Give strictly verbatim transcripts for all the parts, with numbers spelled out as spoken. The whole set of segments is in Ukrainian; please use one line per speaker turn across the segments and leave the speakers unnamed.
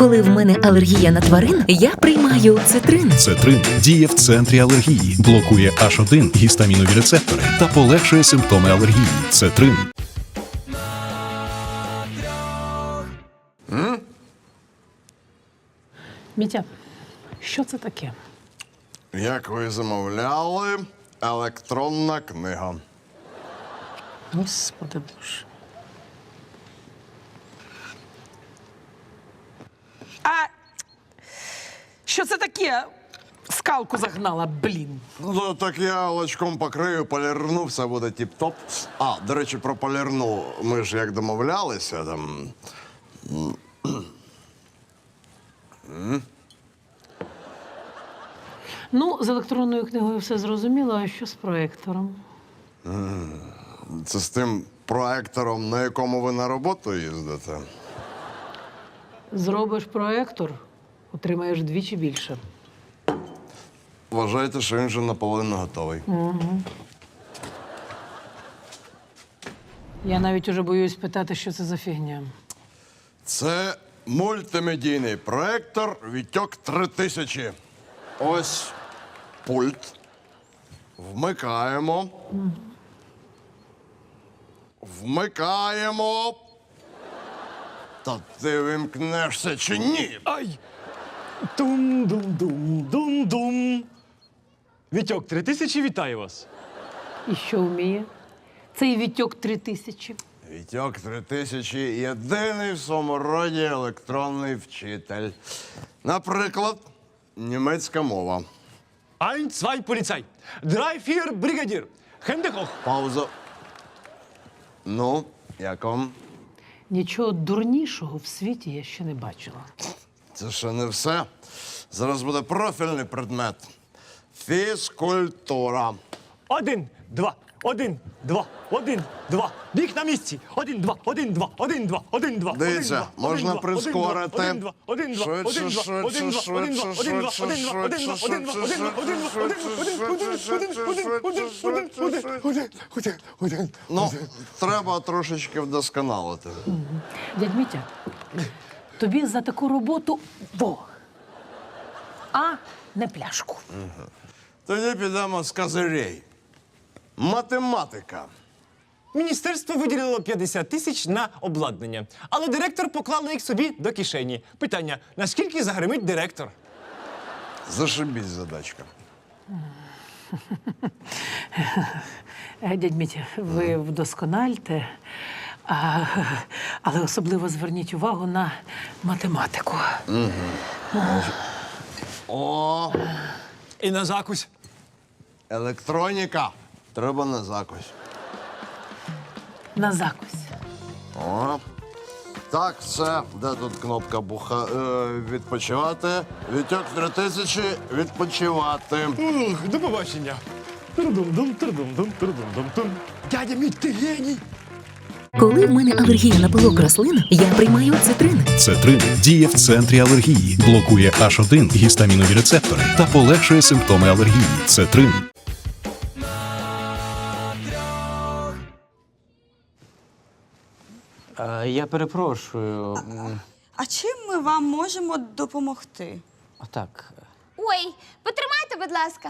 Коли в мене алергія на тварин, я приймаю цитрин.
Цетрин діє в центрі алергії, блокує аш один гістамінові рецептори та полегшує симптоми алергії. Цетрин.
Мітя, що це таке?
Як ви замовляли, електронна книга.
Господи Боже. А що це таке? Скалку загнала, блін.
Ну, так я лачком покрию, полірну, все буде тіп-топ. А, до речі, про полірну. Ми ж як домовлялися, там...
Ну, з електронною книгою все зрозуміло, а що з проектором?
Це з тим проектором, на якому ви на роботу їздите?
Зробиш проектор, отримаєш вдвічі більше.
Вважайте, що він вже наполовину готовий.
Я навіть уже боюсь питати, що це за фігня.
Це мультимедійний проектор Вітьок три тисячі. Ось пульт. Вмикаємо. Вмикаємо. Та ти вимкнешся чи ні?
Ай! Дум-дум-дум-дум-дум. Вітьок, три тисячі, вітаю вас.
І що вміє? Цей Вітьок три тисячі.
Вітьок три тисячі – єдиний в своєму роді електронний вчитель. Наприклад, німецька мова.
Ein, zwei, поліцай. Drei, vier, бригадір. Хендехох.
Пауза. Ну, як вам?
Нічого дурнішого в світі я ще не бачила.
Це ще не все. Зараз буде профільний предмет. Фізкультура.
Один, два, один, два, один, два. Біг на місці. Один, два, один, два, один, два, один, два.
Дивіться, можна прискорити.
Один, два, один, два, один, два, один, два, один, два, один, два, один, два, один, два, один, два, один, два, один, два, один, два, один,
Ну, треба трошечки вдосконалити.
Дядь Мітя, тобі за таку роботу Бог, а не пляшку.
Тоді підемо з козирей. Математика.
Міністерство виділило п'ятдесят тисяч на обладнання, але директор поклала їх собі до кишені. Питання, наскільки загримить директор?
Зашибіть задачка.
Е, Дядь Мітя, ви вдоскональте, а, але особливо зверніть увагу на математику.
О,
І на закусь.
електроніка. Треба на закусь.
На закусь.
О. Так, все. Де тут кнопка буха... Е, відпочивати? Вітьок три тисячі відпочивати.
Ух, до побачення. Турдум-дум, турдум-дум, турдум-дум-тум. Дядя мій, ти геній!
Коли в мене алергія на пилок рослин, я приймаю цитрин.
Цетрин діє в центрі алергії, блокує аш один гістамінові рецептори та полегшує симптоми алергії. Цетрин.
Е, Я перепрошую. М,
А чим ми вам можемо допомогти?
Отак.
Ой, потримайте, будь ласка.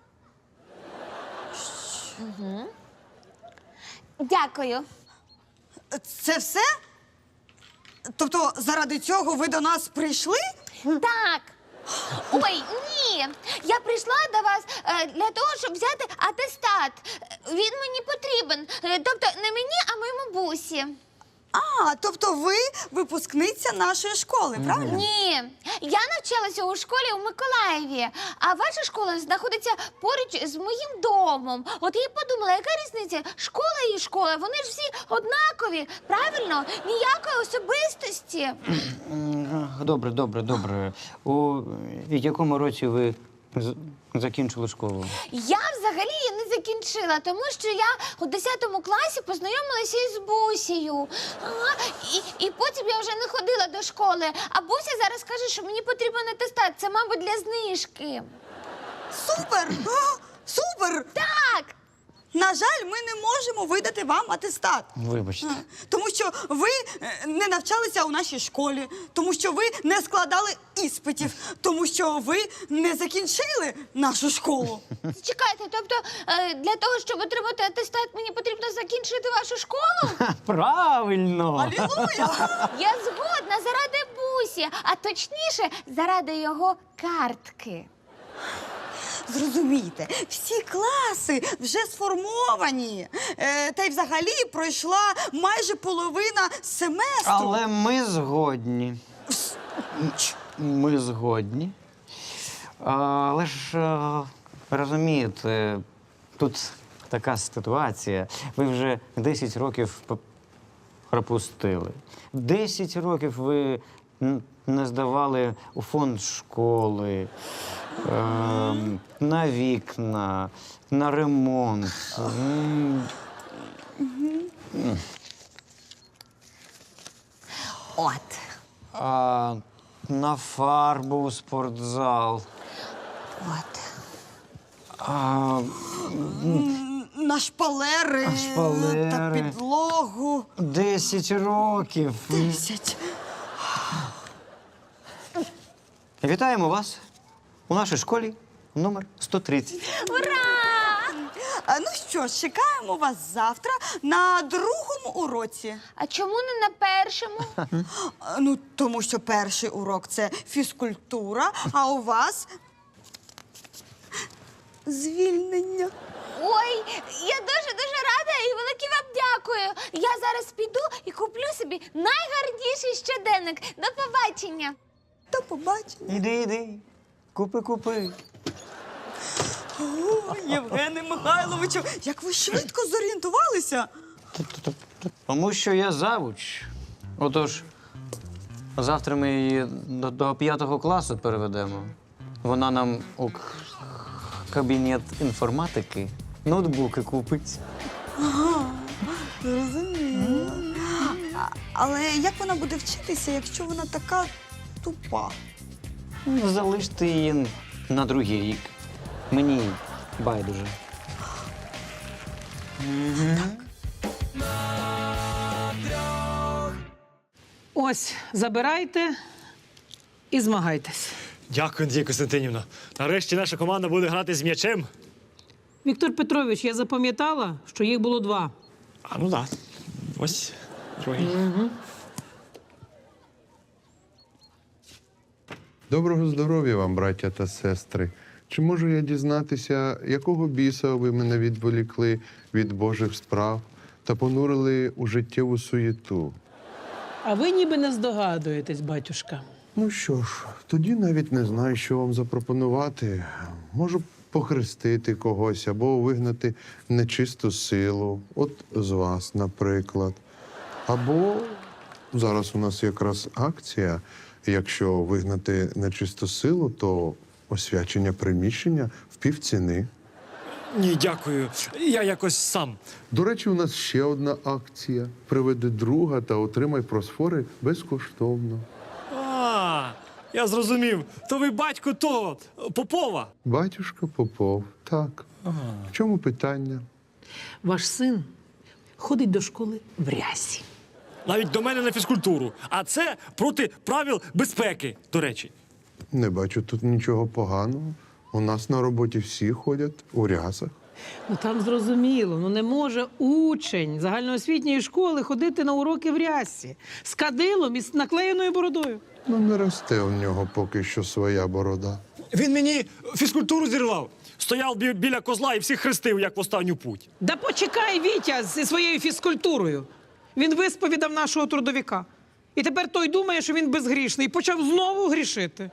Угу. Дякую.
Це все? Тобто заради цього ви до нас прийшли?
Так. Ой, ні. Я прийшла до вас е, для того, щоб взяти атестат. Він мені потрібен. Е, тобто не мені, а моєму бусі.
А, тобто ви випускниця нашої школи, правильно?
Ні. Я навчалася у школі у Миколаєві, а ваша школа знаходиться поруч з моїм домом. От я й подумала, яка різниця? Школа і школа, вони ж всі однакові, правильно? Ніякої особистості.
М, Добре, добре, добре. У якому році ви з- закінчили школу?
Я взагалі її не закінчила, тому що я у десятому класі познайомилася із Бусею. Ага, і, і потім я вже не ходила до школи. А Буся зараз каже, що мені потрібен атестат. Це, мабуть, для знижки.
Супер! А, супер!
Так!
На жаль, ми не можемо видати вам атестат.
Вибачте.
Тому що ви е, не навчалися у нашій школі, тому що ви не складали іспитів, тому що ви не закінчили нашу школу.
Чекайте, тобто е, для того, щоб отримати атестат, мені потрібно закінчити вашу школу?
Правильно!
Алілуя!
Я згодна заради бусі, а точніше, заради його картки.
Зрозумійте, всі класи вже сформовані. Е, та й взагалі пройшла майже половина семестру.
Але ми згодні. Ми згодні. Але ж е, розумієте, тут така ситуація. Ви вже десять років п- пропустили. десять років ви н- не здавали у фонд школи, е, на вікна, на ремонт. М,
От.
А, на фарбу у спортзал.
От.
А,
На шпалери,
На шпалери.
та підлогу.
десять років.
Десять.
Вітаємо вас у нашій школі номер сто тридцять.
А, ну що ж, чекаємо вас завтра на другому уроці.
А чому не на першому?
А, ну, тому що перший урок – це фізкультура, а у вас звільнення.
Ой, я дуже-дуже рада і велике вам дякую. Я зараз піду і куплю собі найгарніший щоденник. До побачення.
До побачення.
Іди, іди. Купи, купи.
О, Євгене Михайловичу, як ви швидко зорієнтувалися.
Тому що я завуч. Отож, завтра ми її до, до п'ятого класу переведемо. Вона нам у к- кабінет інформатики ноутбуки купить.
Зрозуміло. А, але як вона буде вчитися, якщо вона така тупа?
Ну, залиште її на другий рік. Мені байдуже.
Ось, забирайте і змагайтесь.
Дякую, Надія Костянтинівна. Нарешті наша команда буде грати з м'ячем.
Віктор Петрович, я запам'ятала, що їх було два.
А ну так. Ось другий.
Доброго здоров'я вам, браття та сестри. Чи можу я дізнатися, якого біса ви мене відволікли від Божих справ та понурили у життєву суєту?
А ви ніби не здогадуєтесь, батюшка.
Ну що ж, тоді навіть не знаю, що вам запропонувати. Можу похрестити когось або вигнати нечисту силу, от з вас, наприклад. Або зараз у нас якраз акція. Якщо вигнати нечисту силу, то освячення приміщення в півціни.
Ні, дякую. Я якось сам.
До речі, у нас ще одна акція. Приведи друга та отримай просфори безкоштовно.
А, я зрозумів. То ви батько того Попова.
Батюшка Попов, так. В чому питання?
Ваш син ходить до школи в рясі.
Навіть до мене на фізкультуру. А це проти правил безпеки, до речі.
Не бачу тут нічого поганого. У нас на роботі всі ходять у рясах.
Ну там зрозуміло, ну не може учень загальноосвітньої школи ходити на уроки в рясі з кадилом і з наклеєною бородою.
Ну, не росте у нього поки що своя борода.
Він мені фізкультуру зірвав. Стояв бі- біля козла і всіх хрестив, як в останню путь.
Да почекай, Вітя, зі своєю фізкультурою. Він висповідав нашого трудовика. І тепер той думає, що він безгрішний, і почав знову грішити.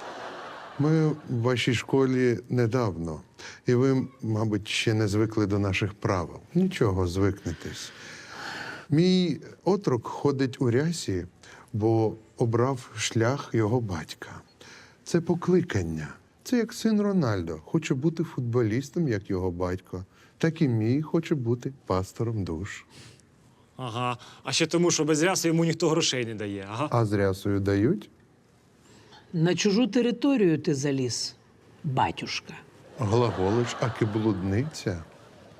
Ми в вашій школі недавно, і ви, мабуть, ще не звикли до наших правил. Нічого, звикнетесь. Мій отрок ходить у рясі, бо обрав шлях його батька. Це покликання. Це як син Рональдо. Хоче бути футболістом, як його батько. Так і мій хоче бути пастором душ.
Ага. А ще тому, що без ряси йому ніхто грошей не дає. Ага.
А з рясою дають?
На чужу територію ти заліз, батюшка.
Глаголиш, аки блудниця.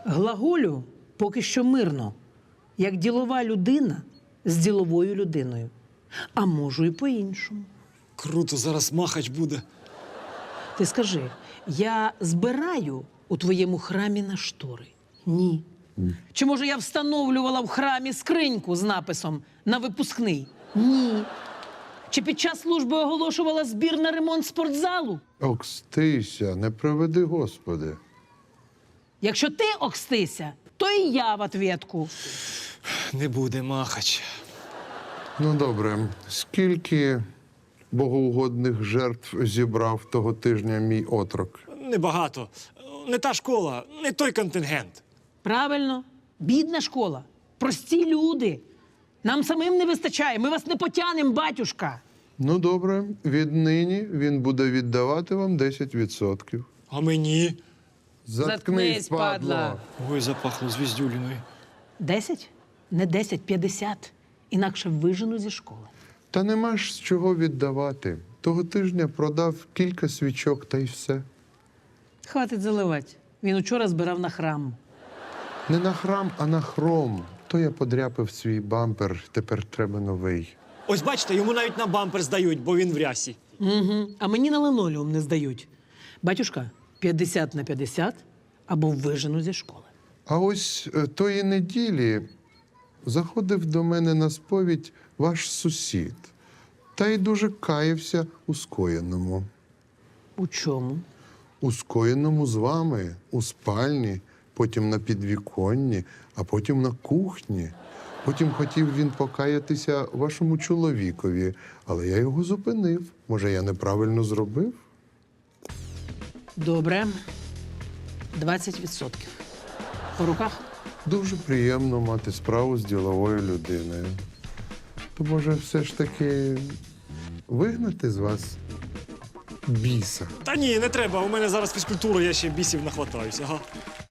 Глаголю поки що мирно, як ділова людина з діловою людиною. А можу і по-іншому.
Круто, зараз махач буде.
Ти скажи, я збираю у твоєму храмі на штори? Ні. Чи може я встановлювала в храмі скриньку з написом «На випускний»? Ні. Чи під час служби оголошувала збір на ремонт спортзалу?
Окстися, не приведи, Господи.
Якщо ти окстися, то і я в ответку.
Не буде махач.
Ну, добре, скільки богоугодних жертв зібрав того тижня мій отрок?
Небагато. Не та школа, не той контингент.
Правильно. Бідна школа. Прості люди. Нам самим не вистачає. Ми вас не потянем, батюшка.
Ну, добре, віднині він буде віддавати вам десять відсотків.
А мені?
Заткнись, падла.
Ой, запахло звіздюліною.
Десять? Не десять, п'ятдесят. Інакше вижену зі школи.
Та нема ж з чого віддавати. Того тижня продав кілька свічок та й все.
Хватить заливати. Він учора збирав на храм.
Не на храм, а на хром. То я подряпав свій бампер, тепер треба новий.
Ось бачите, йому навіть на бампер здають, бо він в рясі.
Угу. А мені на линолеум не здають. Батюшка, п'ятдесят на п'ятдесят або вижену зі школи.
А ось е, тої неділі заходив до мене на сповідь ваш сусід. Та й дуже каявся у скоєному.
У чому?
У скоєному з вами, у спальні, потім на підвіконні, а потім на кухні. Потім хотів він покаятися вашому чоловікові, але я його зупинив. Може, я неправильно зробив?
Добре. двадцять відсотків. По руках?
Дуже приємно мати справу з діловою людиною. То, може, все ж таки вигнати з вас біса?
Та ні, не треба. У мене зараз фізкультура, я ще бісів нахватаюся. Ага.